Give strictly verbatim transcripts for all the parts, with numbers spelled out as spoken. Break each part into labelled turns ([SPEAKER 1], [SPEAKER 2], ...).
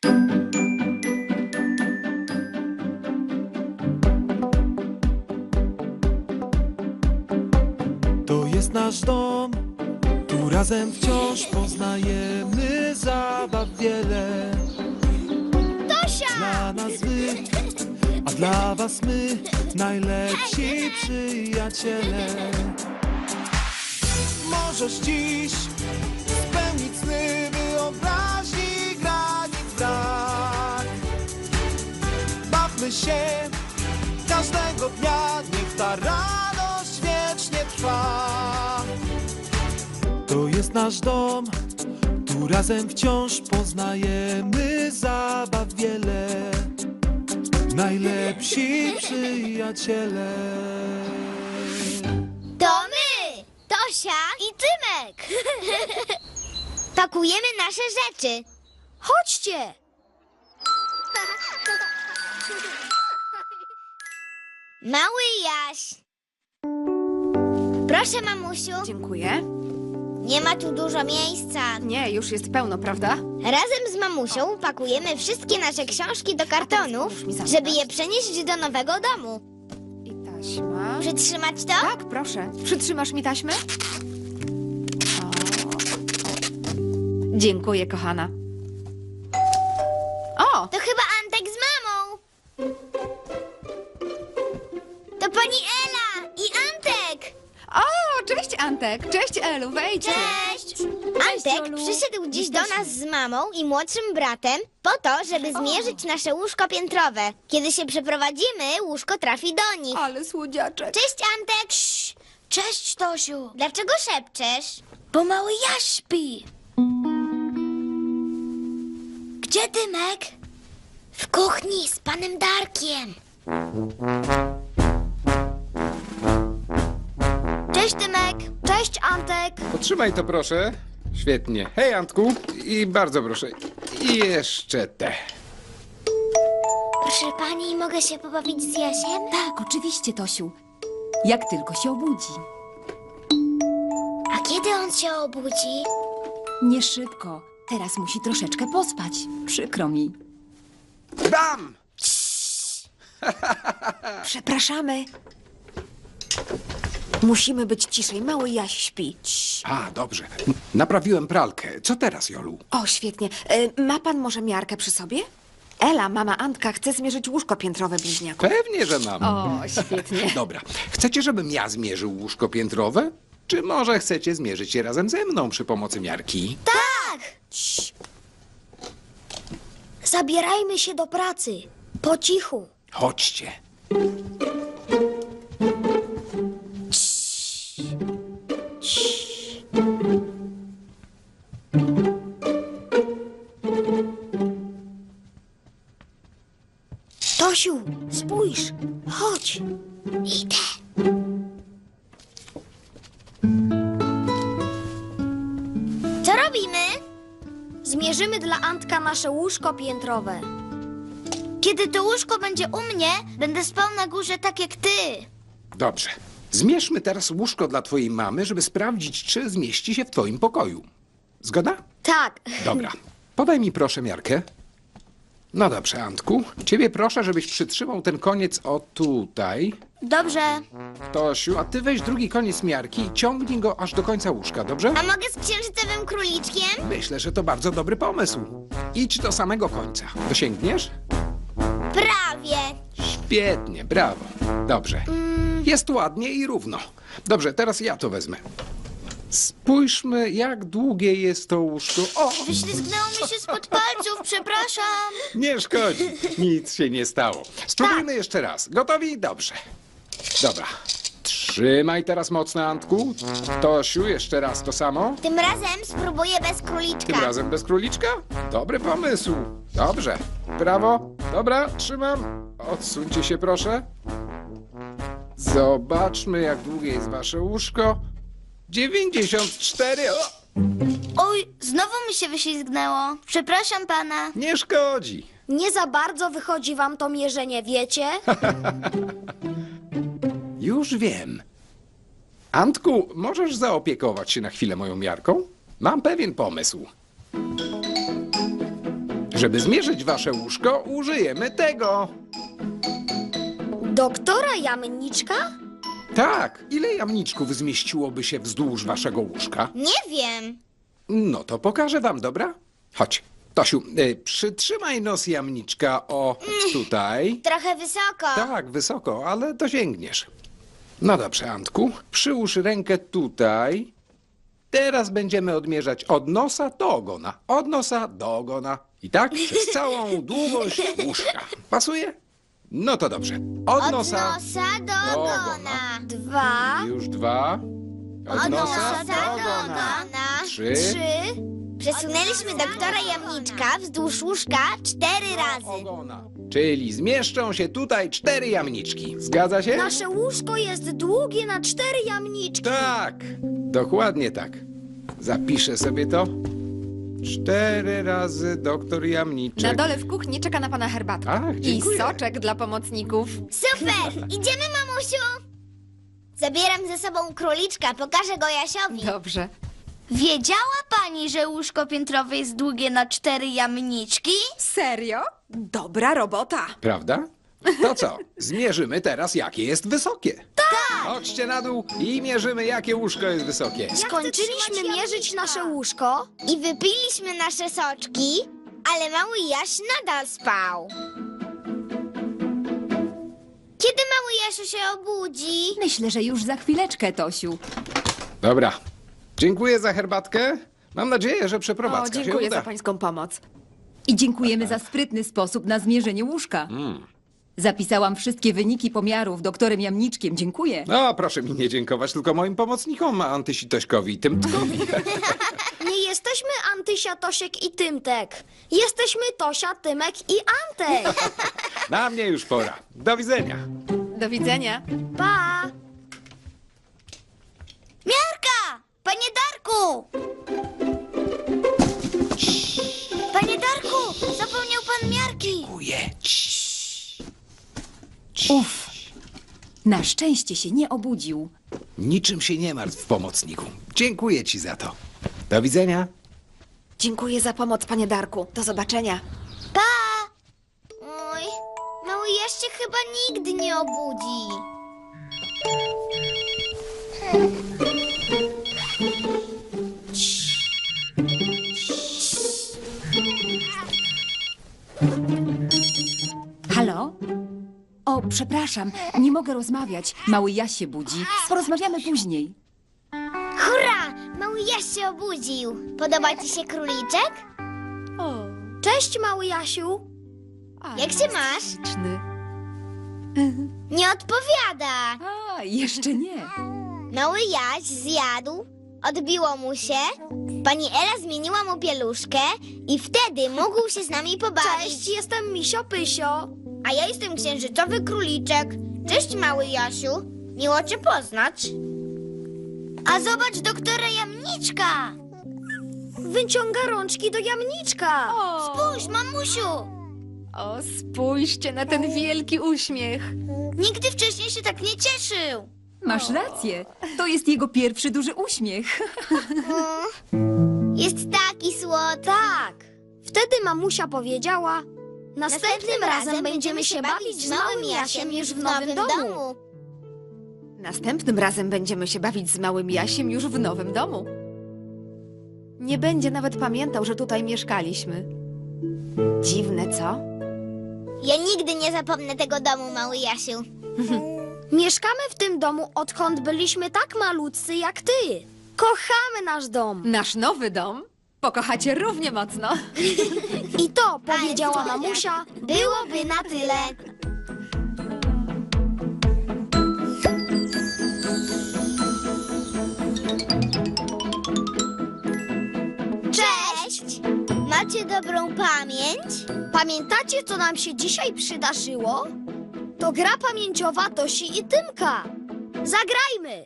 [SPEAKER 1] To jest nasz dom, tu razem wciąż poznajemy zabaw wiele.
[SPEAKER 2] Tosia!
[SPEAKER 1] Dla nas wy, a dla was my, najlepsi przyjaciele. Możesz dziś spełnić sny wyobraźni, granic brak. Bawmy się każdego dnia, niech ta radość wiecznie trwa. To jest nasz dom, tu razem wciąż poznajemy zabaw wiele. Najlepsi przyjaciele.
[SPEAKER 2] To my! Tosia i Tymek! Pakujemy nasze rzeczy. Chodźcie! Mały Jaś. Proszę, mamusiu.
[SPEAKER 3] Dziękuję.
[SPEAKER 2] Nie ma tu dużo miejsca.
[SPEAKER 3] Nie, już jest pełno, prawda?
[SPEAKER 2] Razem z mamusią pakujemy wszystkie nasze książki do kartonu, żeby je przenieść do nowego domu.
[SPEAKER 3] I taśma.
[SPEAKER 2] Przytrzymać to?
[SPEAKER 3] Tak, proszę. Przytrzymasz mi taśmę? O. Dziękuję, kochana. O!
[SPEAKER 2] To chyba Antek z mamą. To pani Ela i Antek.
[SPEAKER 3] O, cześć Antek. Cześć Elu, wejdźcie.
[SPEAKER 2] Cześć! Antek
[SPEAKER 3] Olu.
[SPEAKER 2] przyszedł dziś do
[SPEAKER 3] Jesteśmy.
[SPEAKER 2] nas z mamą i młodszym bratem po to, żeby zmierzyć nasze łóżko piętrowe. Kiedy się przeprowadzimy, łóżko trafi do nich.
[SPEAKER 3] Ale słodziaczek.
[SPEAKER 2] Cześć, Antek! Cześć, Tosiu! Dlaczego szepczesz? Bo mały Jaś śpi. Gdzie Tymek? W kuchni z panem Darkiem. Cześć, Tymek! Cześć, Antek!
[SPEAKER 4] Potrzymaj to proszę. Świetnie. Hej Antku. I bardzo proszę. I jeszcze te.
[SPEAKER 2] Proszę pani, mogę się pobawić z Jasiem?
[SPEAKER 5] Tak, oczywiście, Tosiu. Jak tylko się obudzi.
[SPEAKER 2] A kiedy on się obudzi?
[SPEAKER 5] Nie szybko. Teraz musi troszeczkę pospać. Przykro mi.
[SPEAKER 4] Bam!
[SPEAKER 3] Przepraszamy. Musimy być ciszej. Mały Jaś śpi.
[SPEAKER 4] A, dobrze. Naprawiłem pralkę. Co teraz, Jolu?
[SPEAKER 3] O, świetnie. E, ma pan może miarkę przy sobie? Ela, mama Antka, chce zmierzyć łóżko piętrowe bliźniaków.
[SPEAKER 4] Pewnie, że mam.
[SPEAKER 3] O, świetnie.
[SPEAKER 4] Dobra. Chcecie, żebym ja zmierzył łóżko piętrowe? Czy może chcecie zmierzyć je razem ze mną przy pomocy miarki?
[SPEAKER 2] Tak! Zabierajmy się do pracy. Po cichu.
[SPEAKER 4] Chodźcie.
[SPEAKER 2] Tosiu, spójrz. Chodź. Idę. Co robimy? Zmierzymy dla Antka nasze łóżko piętrowe. Kiedy to łóżko będzie u mnie, będę spał na górze tak jak ty.
[SPEAKER 4] Dobrze. Zmierzmy teraz łóżko dla twojej mamy, żeby sprawdzić, czy zmieści się w twoim pokoju. Zgoda?
[SPEAKER 2] Tak.
[SPEAKER 4] Dobra. Podaj mi proszę miarkę. No dobrze, Antku. Ciebie proszę, żebyś przytrzymał ten koniec o tutaj.
[SPEAKER 2] Dobrze.
[SPEAKER 4] Tosiu, a ty weź drugi koniec miarki i ciągnij go aż do końca łóżka, dobrze?
[SPEAKER 2] A mogę z księżycowym króliczkiem?
[SPEAKER 4] Myślę, że to bardzo dobry pomysł. Idź do samego końca. Dosięgniesz?
[SPEAKER 2] Prawie.
[SPEAKER 4] Świetnie, brawo. Dobrze. Jest ładnie i równo. Dobrze, teraz ja to wezmę. Spójrzmy, jak długie jest to łóżko. O,
[SPEAKER 2] Wyślizgnęło mi się spod palców, przepraszam.
[SPEAKER 4] nie szkodzi. Nic się nie stało. Spróbujmy jeszcze raz. Gotowi? Dobrze. Dobra. Trzymaj teraz mocno, Antku. Tosiu, jeszcze raz to samo.
[SPEAKER 2] Tym razem spróbuję bez króliczka.
[SPEAKER 4] Tym razem bez króliczka? Dobry pomysł. Dobrze. Brawo. Dobra, trzymam. Odsuńcie się, proszę. Zobaczmy, jak długie jest wasze łóżko. dziewięćdziesiąt cztery. O,
[SPEAKER 2] Oj, znowu mi się wyślizgnęło. Przepraszam pana.
[SPEAKER 4] nie szkodzi.
[SPEAKER 2] Nie za bardzo wychodzi wam to mierzenie, wiecie?
[SPEAKER 4] Już wiem. Antku, możesz zaopiekować się na chwilę moją miarką? Mam pewien pomysł. Żeby zmierzyć wasze łóżko, użyjemy tego.
[SPEAKER 2] Doktora Jamniczka?
[SPEAKER 4] Tak, ile jamniczków zmieściłoby się wzdłuż waszego łóżka?
[SPEAKER 2] Nie wiem.
[SPEAKER 4] No to pokażę wam, dobra? Chodź. Tosiu, y, przytrzymaj nos jamniczka o tutaj.
[SPEAKER 2] Trochę wysoko.
[SPEAKER 4] Tak, wysoko, ale dosięgniesz. No dobrze, Antku, przyłóż rękę tutaj. Teraz będziemy odmierzać od nosa do ogona. Od nosa do ogona. I tak przez całą długość łóżka. Pasuje? No to dobrze. Od,
[SPEAKER 2] Od
[SPEAKER 4] nosa.
[SPEAKER 2] nosa do
[SPEAKER 4] do
[SPEAKER 2] ogona.
[SPEAKER 4] ogona.
[SPEAKER 2] Dwa.
[SPEAKER 4] Już dwa. Od,
[SPEAKER 2] Od
[SPEAKER 4] nosa do ogona. Trzy.
[SPEAKER 2] Trzy. Przesunęliśmy doktora Jamniczka wzdłuż łóżka cztery razy.
[SPEAKER 4] Ogona. Czyli zmieszczą się tutaj cztery jamniczki. Zgadza się?
[SPEAKER 2] Nasze łóżko jest długie na cztery jamniczki.
[SPEAKER 4] Tak, dokładnie tak. Zapiszę sobie to. Cztery razy doktor Jamniczek.
[SPEAKER 3] Na dole w kuchni czeka na pana herbatka.
[SPEAKER 4] Ach,
[SPEAKER 3] I
[SPEAKER 4] dziękuję.
[SPEAKER 3] soczek dla pomocników.
[SPEAKER 2] Super! Idziemy, mamusiu! Zabieram ze sobą króliczka, pokażę go Jasiowi.
[SPEAKER 3] Dobrze.
[SPEAKER 2] Wiedziała pani, że łóżko piętrowe jest długie na cztery jamniczki?
[SPEAKER 3] Serio? Dobra robota.
[SPEAKER 4] Prawda? To co? Zmierzymy teraz, jakie jest wysokie. Tak! Chodźcie na dół i mierzymy, jakie łóżko jest wysokie.
[SPEAKER 2] Skończyliśmy mierzyć nasze łóżko i wypiliśmy nasze soczki, ale mały Jaś nadal spał. Kiedy mały Jasiu się obudzi?
[SPEAKER 5] Myślę, że już za chwileczkę, Tosiu.
[SPEAKER 4] Dobra. Dziękuję za herbatkę. Mam nadzieję, że
[SPEAKER 3] O,
[SPEAKER 4] przeprowadzka się
[SPEAKER 3] dziękuję
[SPEAKER 4] uda.
[SPEAKER 3] za pańską pomoc.
[SPEAKER 5] I dziękujemy za sprytny sposób na zmierzenie łóżka. Zapisałam wszystkie wyniki pomiarów doktorem Jamniczkiem. Dziękuję.
[SPEAKER 4] No, proszę mi nie dziękować, tylko moim pomocnikom, Antysi Tośkowi i Tymtkowi.
[SPEAKER 2] Nie jesteśmy Antysia, Tosiek i Tymtek. Jesteśmy Tosia, Tymek i Antek.
[SPEAKER 4] Na mnie już pora. Do widzenia.
[SPEAKER 3] Do widzenia.
[SPEAKER 2] Pa! Miarka! Panie Darku! Panie Darku! Zapomniał pan miarki!
[SPEAKER 4] Ujedź.
[SPEAKER 5] Uf. Na szczęście się nie obudził.
[SPEAKER 4] Niczym się nie martw, pomocniku. Dziękuję ci za to. Do widzenia.
[SPEAKER 3] Dziękuję za pomoc, panie Darku. Do zobaczenia.
[SPEAKER 2] Pa! Oj, mały Jaś się chyba nigdy nie obudzi.
[SPEAKER 5] Halo? O, przepraszam, nie mogę rozmawiać. Mały Jaś się budzi. Porozmawiamy później.
[SPEAKER 2] Hurra! Mały Jaś się obudził. Podoba ci się króliczek?
[SPEAKER 3] O,
[SPEAKER 2] Cześć, mały Jasiu. Jak się masz?
[SPEAKER 3] śliczny.
[SPEAKER 2] Nie odpowiada.
[SPEAKER 5] A, jeszcze nie.
[SPEAKER 2] Mały Jaś zjadł, odbiło mu się, pani Ela zmieniła mu pieluszkę i wtedy mógł się z nami pobawić. Cześć, jestem Misio Pysio. A ja jestem księżycowy króliczek. Cześć, mały Jasiu. Miło cię poznać. A zobacz doktora Jamniczka. Wyciąga rączki do Jamniczka. Spójrz, mamusiu.
[SPEAKER 3] O, spójrzcie na ten wielki uśmiech.
[SPEAKER 2] Nigdy wcześniej się tak nie cieszył.
[SPEAKER 5] Masz rację. To jest jego pierwszy duży uśmiech.
[SPEAKER 2] Jest taki słodki. Tak. Wtedy mamusia powiedziała: Następnym razem będziemy się bawić z małym Jasiem już w nowym domu.
[SPEAKER 3] Następnym razem będziemy się bawić z małym Jasiem już w nowym domu. Nie będzie nawet pamiętał, że tutaj mieszkaliśmy. Dziwne, co?
[SPEAKER 2] Ja nigdy nie zapomnę tego domu, mały Jasiu. Mieszkamy w tym domu, odkąd byliśmy tak malutcy jak ty. Kochamy nasz dom.
[SPEAKER 3] Nasz nowy dom pokochacie równie mocno.
[SPEAKER 2] I to, powiedziała mamusia, byłoby na tyle. Cześć! Macie dobrą pamięć? Pamiętacie, co nam się dzisiaj przydarzyło? To gra pamięciowa Tosi i Tymka. Zagrajmy!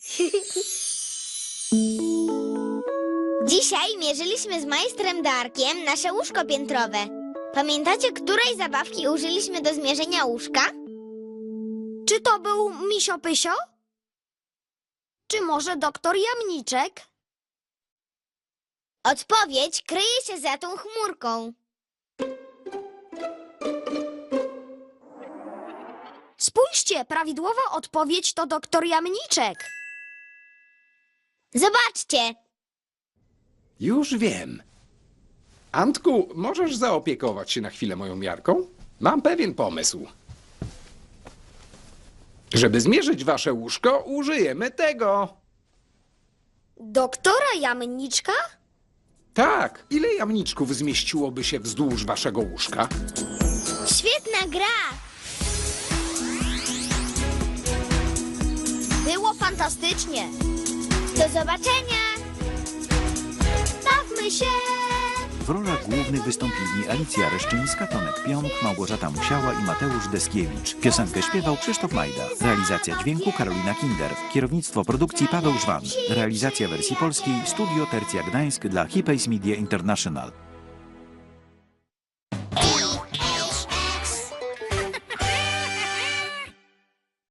[SPEAKER 2] Dzisiaj mierzyliśmy z majstrem Darkiem nasze łóżko piętrowe. Pamiętacie, której zabawki użyliśmy do zmierzenia łóżka? Czy to był Misio Pysio? Czy może doktor Jamniczek? Odpowiedź kryje się za tą chmurką. Spójrzcie, prawidłowa odpowiedź to doktor Jamniczek. Zobaczcie.
[SPEAKER 4] Już wiem. Antku, możesz zaopiekować się na chwilę moją miarką? Mam pewien pomysł. Żeby zmierzyć wasze łóżko, użyjemy tego.
[SPEAKER 2] Doktora Jamniczka?
[SPEAKER 4] Tak, ile jamniczków zmieściłoby się wzdłuż waszego łóżka?
[SPEAKER 2] Świetna gra. Było fantastycznie. Do zobaczenia. Bawmy się.
[SPEAKER 6] W rolach głównych wystąpili Alicja Reszczyńska, Tomek Pionk, Małgorzata Musiała i Mateusz Deskiewicz. Piosenkę śpiewał Krzysztof Majda. Realizacja dźwięku Karolina Kinder. Kierownictwo produkcji Paweł Żwan. Realizacja wersji polskiej Studio Tercja Gdańsk dla Hipays Media International.